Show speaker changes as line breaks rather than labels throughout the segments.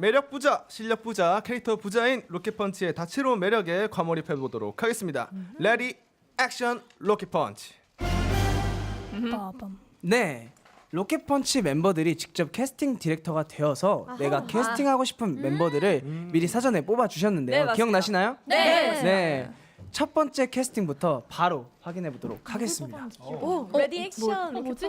매력 부자, 실력 부자, 캐릭터 부자인 로켓펀치의 다채로운 매력에 과몰입해 보도록 하겠습니다. 레디 액션 로켓펀치.
네, 로켓펀치 멤버들이 직접 캐스팅 디렉터가 되어서 내가 캐스팅하고 싶은 멤버들을 미리 사전에 뽑아주셨는데요.
네,
기억나시나요?
네.
네. 첫 번째 캐스팅부터 바로 확인해 보도록 하겠습니다.
레디 액션.
뭐지?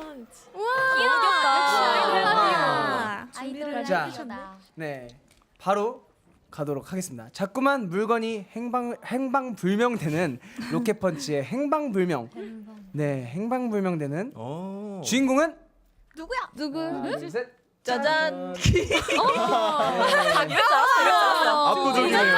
귀엽다.
아이돌
자, 네, 바로 가도록 하겠습니다. 자꾸만 물건이 행방불명되는 로켓펀치의 행방불명. 네, 행방불명되는 주인공은
누구?
하나, 둘, 셋.
짜잔.
압도적이네요.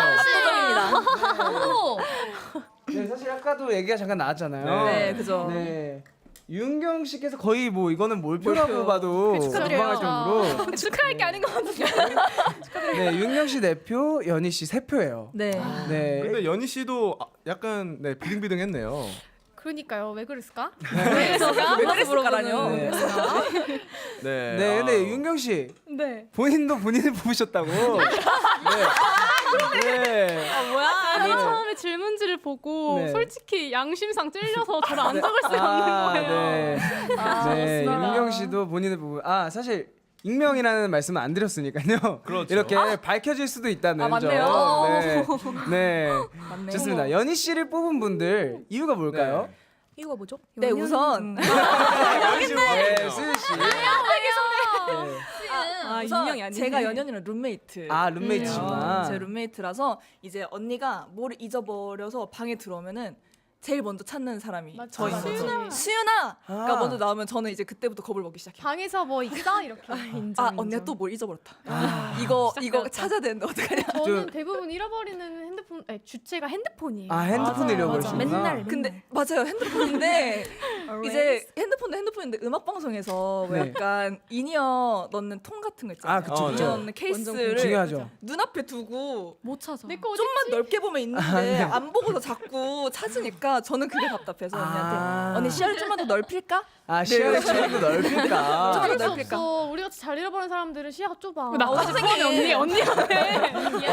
네, 사실 아까도 얘기가 잠깐 나왔잖아요.
네, 그죠.
네. 윤경 씨께서 거의 뭐 이거는 몰표라고 봐도
축하드려요.
무방할 정도로
축하할 게 아닌 것 같은데.
네, 윤경 씨 4표, 연희 씨 3표예요.
네.
네.
근데 연희 씨도 약간 네, 비등비등했네요.
그러니까요. 왜 그랬을까?
왜 그랬을까라뇨?
네.
네.
네, 근데 윤경 씨
네.
본인도 본인을 뽑으셨다고. 네. 네.
뭐야?
아니 처음에 질문지를 보고
네.
솔직히 양심상 찔려서 저를 안 적을 수가 없는 거예요.
네. 네. 윤경 씨도 본인을 보고 사실 익명이라는 말씀은 안 드렸으니까요.
그렇죠.
이렇게 밝혀질 수도 있다는
맞네요.
점. 네.
맞네.
좋습니다. 연희 씨를 뽑은 분들 이유가 뭘까요?
이유가 뭐죠? 네, 우선
네, 수유 씨.
우선 제가 연연이랑 룸메이트.
룸메이트구나.
제 룸메이트라서 이제 언니가 뭘 잊어버려서 방에 들어오면은 제일 먼저 찾는 사람이 저인 거죠. 수윤아! 가 먼저 나오면 저는 이제 그때부터 겁을 먹기 시작해요.
방에서 뭐 있어? 이렇게.
언니가 또 뭘 잊어버렸다. 이거 찾아야 되는데 어떡하냐.
저는 대부분 잃어버리는 핸드폰, 아니, 주체가 핸드폰이에요.
핸드폰을 잃어버리시구나.
근데 맞아요, 핸드폰인데 이제 핸드폰인데 음악 방송에서 뭐
네.
약간 인이어 넣는 통 같은 거 있잖아요.
그쵸,
그쵸.
인이어 넣는 케이스를
중요하죠.
눈앞에 두고
못 찾아. 내거 어디?
좀만 넓게 보면 있는데 안 보고서 자꾸 찾으니까 저는 그게 답답해서 언니한테 언니 시야를 좀만 더 넓힐까?
시야를 좀더 넓힐까?
좀
그럴 수
넓힐까?
없어. 우리 같이 잘 잃어버린 사람들은 시야가 좁아.
나까지 포함이 언니한테.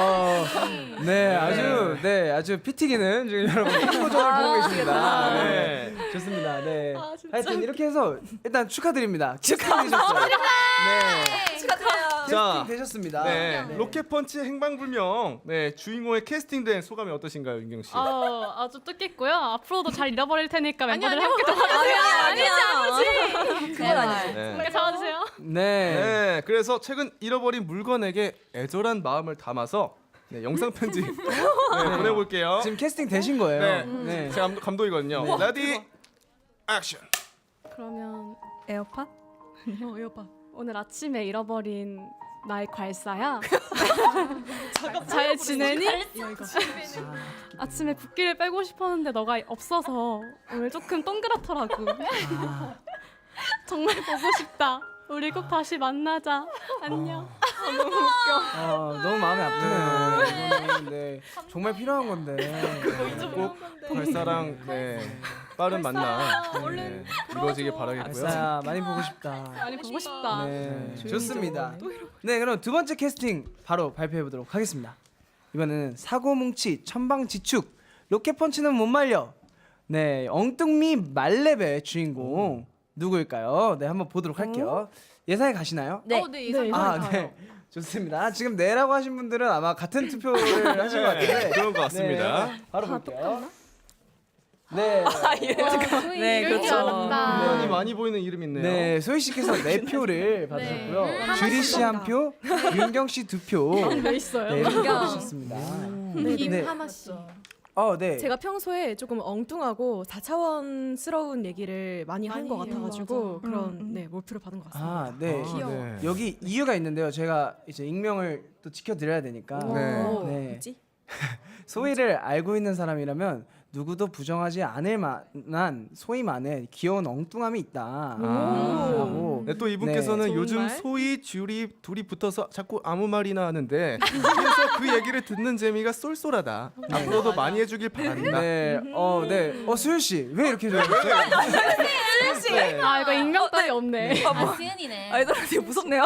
네, 아주 피튀기는 지금 여러분 표정을 보고 계십니다. 네, 좋습니다. 네, 하여튼 이렇게 해서 일단 축하드립니다. 축하드리셨어요. 네,
축하드려요.
자,
캐스팅 되셨습니다.
네. 로켓펀치 행방불명. 네, 주인공의 캐스팅된 소감이 어떠신가요, 윤경 씨?
아주 뜻깊고요. 앞으로도 잘 잃어버릴 테니까 멤버들 함께
아니지. 그건 아니지.
네.
잡아주세요.
네.
네, 그래서 최근 잃어버린 물건에게 애절한 마음을 담아서 네, 영상 편지 보내볼게요.
지금 캐스팅 되신 거예요.
네,
네.
제가 감독이거든요. 레디 액션.
그러면
에어팟?
에어팟. 오늘 아침에 잃어버린 나의 괄사야. 잘 지내니? 아침에 붓기를 빼고 싶었는데 너가 없어서 오늘 조금 동그랗더라고. 정말 보고 싶다. 우리 꼭 다시 만나자. 안녕. 너무 웃겨.
너무 마음이 아프네요. 이거는, 네, 정말 필요한 건데.
꼭 발사랑 네, 빠른 만남 네, 이루어지길 바라겠고요.
알싸야 많이 보고 싶다.
많이 보고 싶다.
네, 좋습니다. 네, 그럼 두 번째 캐스팅 바로 발표해 보도록 하겠습니다. 이번에는 사고뭉치 천방지축 로켓펀치는 못 말려. 네, 엉뚱미 말렙의 주인공 누구일까요? 네, 한번 보도록 할게요. 예상이 가시나요?
네.
네, 예상.
네. 좋습니다. 지금 네라고 하신 분들은 아마 같은 투표를 하신 것 같은데.
그런 것 같습니다.
네, 바로 볼게요. 네.
네, 그렇죠.
분명히 많이 보이는 이름 있네요.
네, 소희 씨께서 4표를 받으셨고요. 주리 씨 1표, 윤경 씨 2표.
왜 있어요?
네, 이렇게 받으셨습니다. 네.
하마 씨.
네.
제가 평소에 조금 엉뚱하고 4차원스러운 얘기를 많이 한 것 같아가지고 그런 몰표를 받은 것 같습니다.
네.
네.
여기 이유가 있는데요. 제가 이제 익명을 또 지켜드려야 되니까.
네.
네.
뭐지?
소희를 알고 있는 사람이라면 누구도 부정하지 않을 만한 소위 말해 귀여운 엉뚱함이 있다. 라고.
네, 또 이분께서는
좋은
요즘
말.
소희, 듀리 둘이 붙어서 자꾸 아무 말이나 하는데 그래서 그 얘기를 듣는 재미가 쏠쏠하다. 앞으로도 많이 해주길 바란다.
네, 수윤 씨 왜 이렇게 좋아하셨어요?
아 이거 익명 따위 없네.
아, 수연이네.
아이돌한테 무섭네요.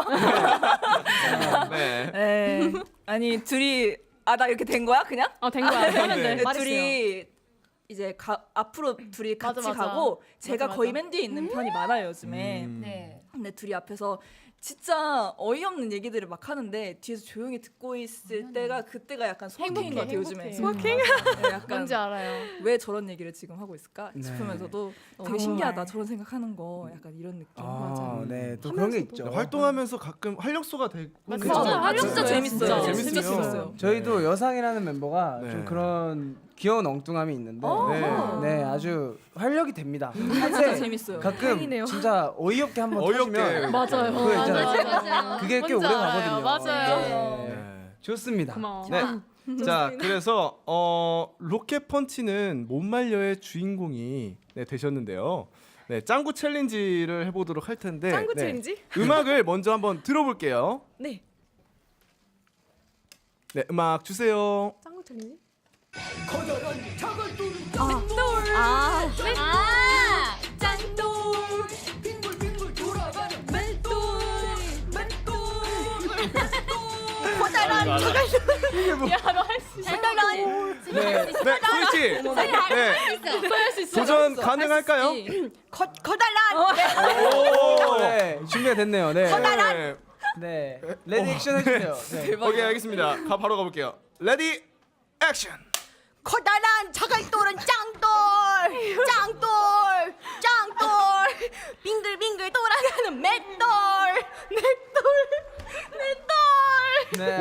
네.
네. 아니 둘이 나 이렇게 된 거야 그냥?
된 거야. 하면 돼.
네, 둘이 이제 앞으로 둘이
맞아,
같이
맞아.
가고 제가
맞아,
거의
맞아.
맨 뒤에 있는 편이 많아요 요즘에.
네.
근데 둘이 앞에서 진짜 어이없는 얘기들을 막 하는데 뒤에서 조용히 듣고 있을 때가 그때가 약간 소확행인 것 같아요 요즘에.
소확행?
네, 약간
뭔지 알아요.
왜 저런 얘기를 지금 하고 있을까
네.
싶으면서도 되게
정말.
신기하다 저런 생각하는 거 약간 이런 느낌.
네, 또 그런 게 있죠.
활동하면서 가끔 활력소가 되고
맞아.
그쵸?
맞아.
진짜
맞아.
재밌어요.
진짜
진짜
재밌어요.
재밌어요.
저희도 여상이라는 멤버가
네.
좀 그런 귀여운 엉뚱함이 있는데
네.
네, 아주 활력이 됩니다.
진짜
한때
재밌어요.
가끔
다행이네요.
진짜 어이없게 한번
어이없게.
터지면
맞아요.
그거 있잖아요.
맞아요.
그게 꽤
뭔지
오래
알아요.
가거든요.
맞아요.
네. 좋습니다.
고마워.
네. 자, 그래서 로켓펀치는 못 말려의 주인공이 되셨는데요. 네, 짱구 챌린지를 해보도록 할 텐데
짱구
네,
챌린지?
음악을 먼저 한번 들어볼게요.
네.
네, 음악 주세요.
짱구 챌린지?
아,
네, 소희 씨, 네,
할수 있어.
도전 가능할까요? 오,
네, 준비가 됐네요. 네.
네.
네. 레디 액션 해주세요. 네.
오케이, 알겠습니다. 바로 가볼게요. 레디, 액션.
커다란 자갈돌은 짱돌 빙글빙글 돌아가는 맷돌
네.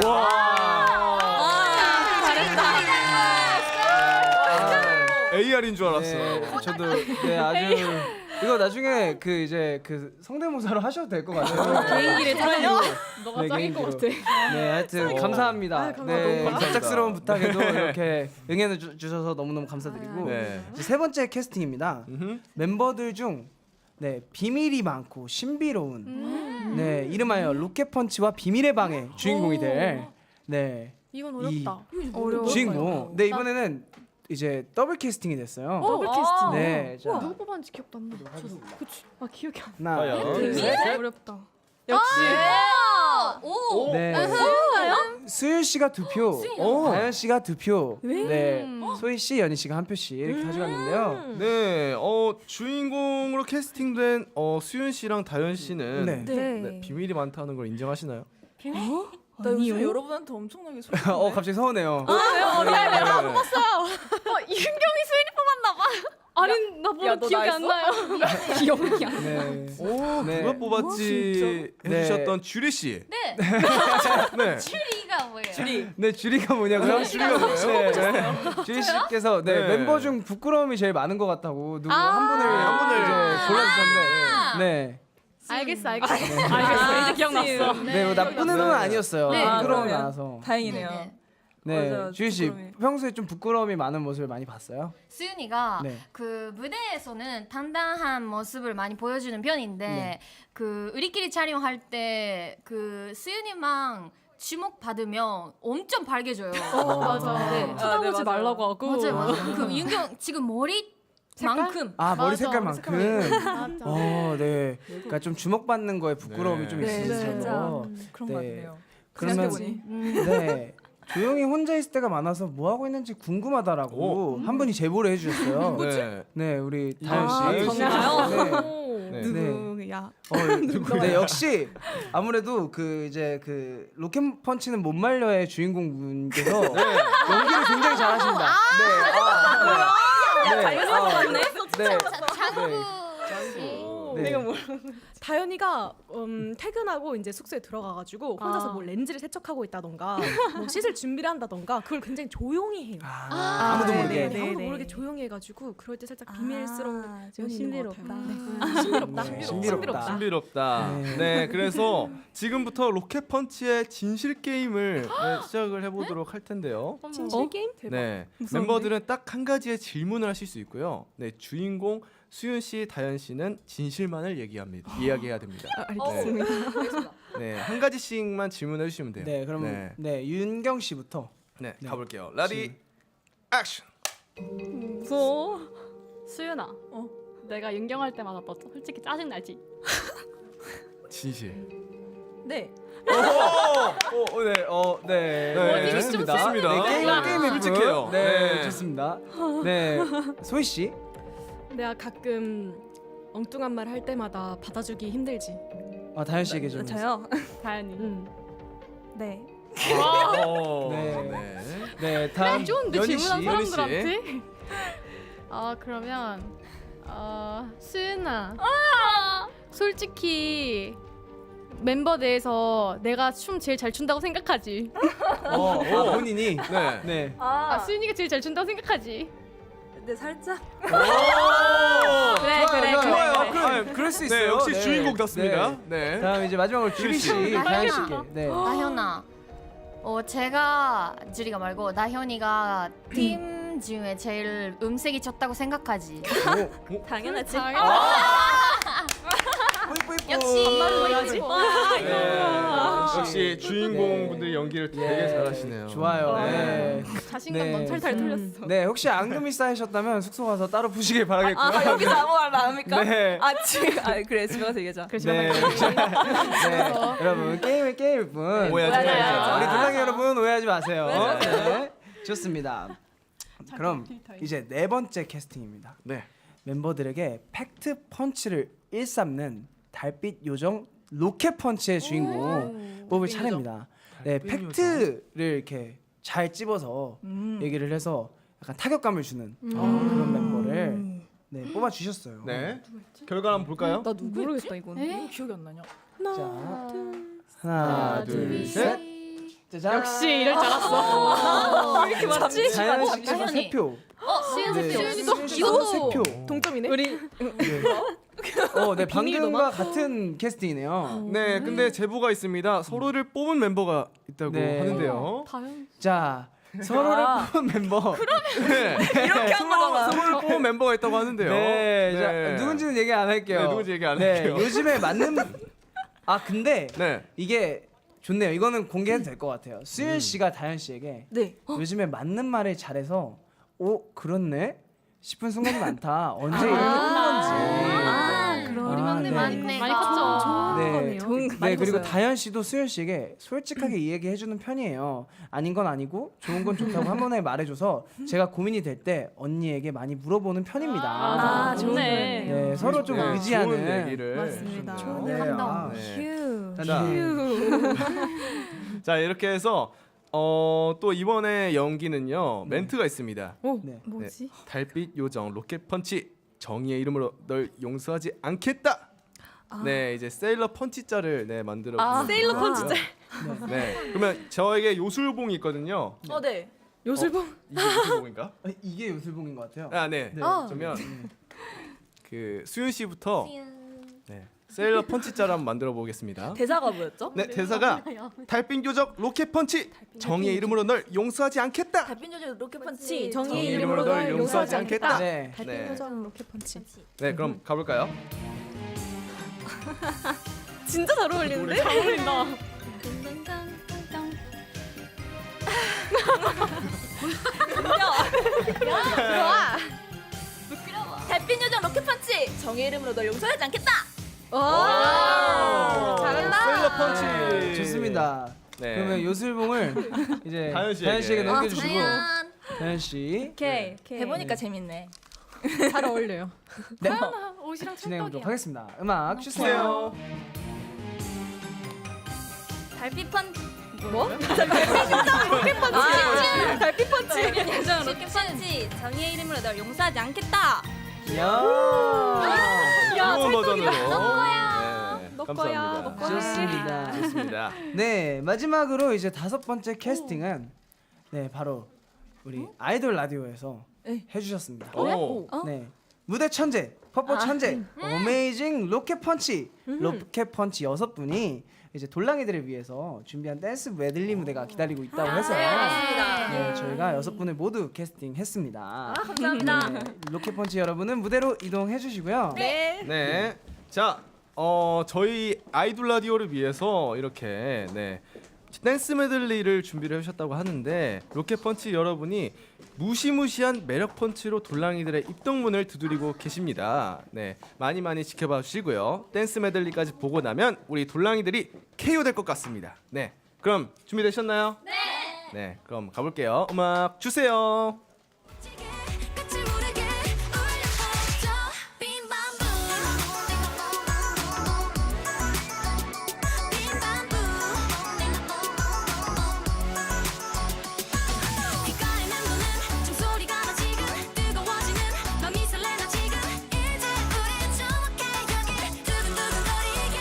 AR인 줄 알았어.
네, 저도 네 아주 이거 나중에 그 이제 그 성대모사로 하셔도 될 것 같아요.
개인기를 들어요. 너가
네,
짱인 것
개인기로.
같아.
네, 하여튼 감사합니다. 네,
감사합니다.
갑작스러운 부탁에도 이렇게 응해 주셔서 너무너무 감사드리고
네.
이제 세 번째 캐스팅입니다.
음흠.
멤버들 중 네, 비밀이 많고 신비로운 네, 이름하여 로켓펀치와 비밀의 방의 주인공이 될 네,
이건
이
어렵다.
주인공. 네, 이번에는 이제 더블 캐스팅이 됐어요.
더블 캐스팅.
네, 자,
누구 뽑았는지 기억도 안 나. 그치. 기억이 안
하나,
과연?
둘, 셋.
나. 어렵다.
역시
오.
네. 수윤 씨가 2표, 다현 씨가 2표, 네, 소희 씨, 연희 씨가 1표씩 이렇게 가져갔는데요.
네, 주인공으로 캐스팅된 수윤 씨랑 다현 씨는
네.
네, 비밀이 많다는 걸 인정하시나요?
나 요즘 여러분한테 엄청나게 소리.
갑자기 서운해요.
이은경이 수인이 뽑았나 봐. 아니 나 뭐라
야, 너
기억이
나
안 나요. 기억이 안 나.
네.
오,
네.
누가 뽑았지
네.
해주셨던 주리 씨.
네.
네.
추리가 뭐예요?
네, 주리가 뭐냐고요?
주리가 뭐예요?
네. 주리 씨께서 네,
네.
멤버 중 부끄러움이 제일 많은 것 같다고 누구
아.
한 분을 이제 골라주셨는데, 네,
알겠어. 알겠어. 이제 기억났어.
네, 뭐 나쁜 의도는 아니었어요.
네.
부끄러움이
그러면
많아서.
다행이네요.
네.
네,
맞아요,
주희 씨
부끄러움이.
평소에 좀 부끄러움이 많은 모습을 많이 봤어요?
수윤이가
네.
그 무대에서는 당당한 모습을 많이 보여주는 편인데
네.
그 우리끼리 촬영할 때 그 수윤이만 주목 받으면 엄청 밝아져요.
맞아.
네.
쳐다보지
맞아요.
말라고 하고.
맞아요. 그 윤경 지금 머리만큼
아, 머리
맞아,
색깔만큼.
맞아.
네. 그러니까 좀 주목받는 거에 부끄러움이
네.
좀
네,
있으셔서.
진짜 그런 거
네.
같네요.
그러면
생각해보니.
네. 조용히 혼자 있을 때가 많아서 뭐 하고 있는지 궁금하다라고 한 분이 제보를 해주셨어요.
네.
네, 우리 다현 씨.
다현 씨.
네.
네.
누구야?
네, 역시 아무래도 그 이제 그 로켓펀치는 못 말려의 주인공 분께서 연기를 굉장히 잘하십니다. 네. 네. 네.
장구 씨.
네.
다현이가 퇴근하고 이제 숙소에 들어가가지고 혼자서 뭐 렌즈를 세척하고 있다던가 뭐 씻을 준비를 한다던가 그걸 굉장히 조용히 해요.
아무도 모르게.
네, 아무도 모르게 조용히 해가지고 그럴 때 살짝 비밀스러운 면이 있는 것
신비롭다.
같아요. 신비롭다.
네,
신비롭다.
신비롭다.
네.
네, 그래서 지금부터 로켓펀치의 진실 게임을 시작을 해보도록 할 텐데요.
진실 게임?
네, 멤버들은 딱 한 가지의 질문을 하실 수 있고요. 네, 주인공 수윤 씨, 다현 씨는 진실만을 이야기해야 됩니다.
알겠습니다.
네, 한 가지씩만 질문해 주시면 돼요.
네, 그럼 네, 윤경 씨부터.
네, 가볼게요. 레디, 액션.
무서워. 수윤아. 내가 윤경할 때마다 너 솔직히 짜증 나지?
진실.
네.
네,
좋습니다.
좋습니다.
네, 게임이
솔직해요.
네,
네.
좋습니다. 네, 소희 씨.
내가 가끔 엉뚱한 말 할 때마다 받아주기 힘들지.
다현 씨에게 좀.
저요.
다현이.
네.
네. 네, 다음
좋은데
연희
질문한
씨.
사람들한테. 그러면 수윤아. 솔직히 멤버 내에서 내가 춤 제일 잘 춘다고 생각하지?
본인이.
네.
네.
수윤이가 제일 잘 춘다고 생각하지?
네, 살짝.
그래.
좋아요. 그럴 수 있어요.
네, 역시
네.
주인공답습니다.
네.
네.
다음 이제 마지막으로 주리 씨, 다현 씨께. 네.
나현아. 제가 주리가 말고 나현이가 팀 중에 제일 음색이 좋다고 생각하지.
당연하지.
역시.
역시 주인공분들이 연기를 되게 잘하시네요.
좋아요. 네.
자신감
네.
넘찰탈 털렸어.
네, 혹시 앙금이 쌓이셨다면 숙소 가서 따로 푸시길 바라겠고요.
여기서 아무 말 안 합니까?
네.
지금 그래 집에 가서 얘기하자.
네. 네. 여러분 게임은 게임일 뿐.
오해하지 마세요.
우리 동랑이 여러분 오해하지 마세요. 네. 좋습니다. 그럼 이제 네 번째 캐스팅입니다.
네.
멤버들에게 팩트 펀치를 일삼는 달빛 요정 로켓 펀치의 주인공 뽑을 차례입니다. 네, 팩트를 이렇게 잘 찝어서 얘기를 해서 약간 타격감을 주는 그런 멤버를 뽑아 주셨어요.
네. 결과 한번 볼까요?
나 모르겠다 이건. 이거 기억이 안 나냐?
자, 하나, 둘, 셋. 짜잔.
역시 이럴 줄 알았어.
왜 이렇게 맞지?
자연 씨가
나현이.
3표.
수윤 씨.
이것도 3표.
동점이네.
네, 방금과 같은 캐스팅이네요.
네, 근데 제보가 있습니다. 서로를 뽑은 멤버가 있다고
네.
하는데요.
다현.
자, 서로를 뽑은 멤버.
네.
이렇게 한 거잖아.
서로를 뽑은 멤버가 있다고 하는데요.
네, 자, 누군지는 얘기 안 할게요.
네, 누군지 얘기 안
네,
할게요.
요즘에 맞는 근데
네.
이게 좋네요. 이거는 공개해도 될 것 같아요. 수윤 씨가 다현 씨에게
네.
요즘에 맞는 말을 잘해서 그렇네 싶은 순간이 많다. 언제 이렇게 큰 건지.
그럼
우리 막내
네.
막내가
많이 컸죠.
네,
좋은
네 그리고 다현 씨도 수윤 씨에게 솔직하게 이야기해주는 편이에요. 아닌 건 아니고 좋은 건 좋다고 한 번에 말해줘서 제가 고민이 될 때 언니에게 많이 물어보는 편입니다.
좋네.
네, 서로 좀
네,
의지하는.
좋은 얘기를
맞습니다.
해주셨네요.
네,
감동.
네.
자,
자, 이렇게 해서 또 이번에 연기는요. 멘트가 있습니다.
네.
뭐지?
달빛 요정 로켓 펀치 정의의 이름으로 널 용서하지 않겠다. 네, 이제 세일러 펀치자를 만들어 볼
세일러
거고요.
펀치자.
네. 그러면 저에게 요술봉이 있거든요.
네.
요술봉.
이게 요술봉인가?
이게 요술봉인 것 같아요.
네. 그러면 그 수윤 씨부터 네. 세일러 펀치자를 한번 만들어 보겠습니다.
대사가 뭐였죠?
네, 대사가 달빛 요정 로켓 펀치 정의의 이름으로 널 용서하지 않겠다.
달빛 요정 로켓 펀치
정의의 이름으로 널 용서하지 않겠다.
네.
달빛
네.
요정 로켓 펀치.
네, 그럼 가볼까요?
진짜 잘 어울리는데?
잘 어울린다.
달빛 요정 로켓 펀치 정의의 이름으로 널 용서하지 않겠다.
잘한다.
세일러 펀치.
좋습니다.
네.
그러면 요술봉을 이제
다현 씨에게.
다현 씨에게 넘겨주시고
다현.
다현 씨
오케이. 해보니까 재밌네.
잘 어울려요.
네.
옷이랑
진행해보도록
찰떡이야.
하겠습니다. 음악 주세요.
주세요.
달빛 펀
뭐?
로켓 펀치. 달빛 펀치.
요정 로켓 펀치 정의의 이름으로 널 용서하지 않겠다.
야.
좋은 버전으로. 네,
너 거야,
감사합니다.
너 거야.
좋습니다.
좋습니다.
네, 마지막으로 이제 5번째 캐스팅은 네, 바로 우리 아이돌 라디오에서
네.
해주셨습니다.
오.
네, 무대 천재, 퍼포 천재, 어메이징 로켓 펀치, 로켓 펀치 6분이 이제 돌랑이들을 위해서 준비한 댄스 메들리 무대가 기다리고 있다고 해서 네, 저희가 6분을 모두 캐스팅했습니다.
감사합니다.
네, 로켓 펀치 여러분은 무대로 이동해 주시고요.
네. 자, 저희 아이돌 라디오를 위해서 이렇게 네, 댄스 메들리를 준비를 해주셨다고 하는데 로켓 펀치 여러분이 무시무시한 매력 펀치로 돌랑이들의 입덕문을 두드리고 계십니다. 네, 많이 많이 지켜봐 주시고요. 댄스 메들리까지 보고 나면 우리 돌랑이들이 KO 될 것 같습니다. 네, 그럼 준비되셨나요? 네. 네, 그럼 가볼게요. 음악 주세요.
끝을 모르게 울려퍼져 빈 밤부 빈 밤부 귓가에 맴도는 종소리가 나 지금 뜨거워지는 맘이 설레나 지금 이제 우리 정확해 여기 두근두근거리게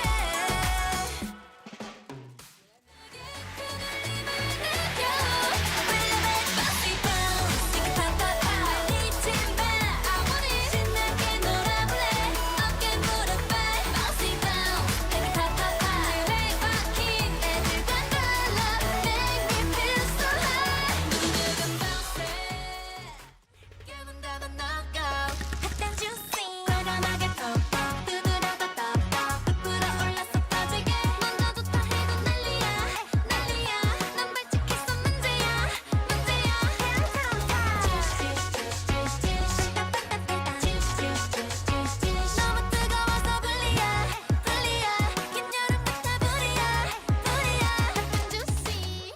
과감하게 톡톡 두드려도 떡떡 부풀어 올랐어 터지게 먼저 좋다 해도 난리야 난리야 난 발칙했어 문제야 문제야 너무 뜨거워서 불리야 불리야 긴 여름 같아 불이야 불이야 juicy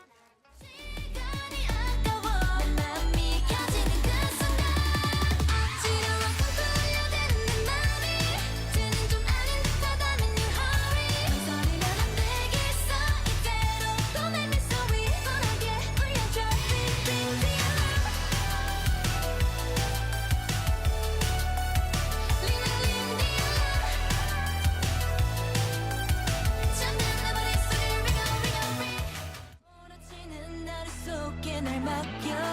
시간이 아까워 내 맘이 켜지는 그 순간 지루한 꿈꾸 울려대는 내 맘이 쟤는 좀 아닌 듯하다면 you hurry 망설이면 안 되겠어 이대로 또 내 미소 위 뻔하게 울려줘 Big big big 잠든 내 머릿속을 ring on ring on ring 몰아치는 나를 속에 날 맡겨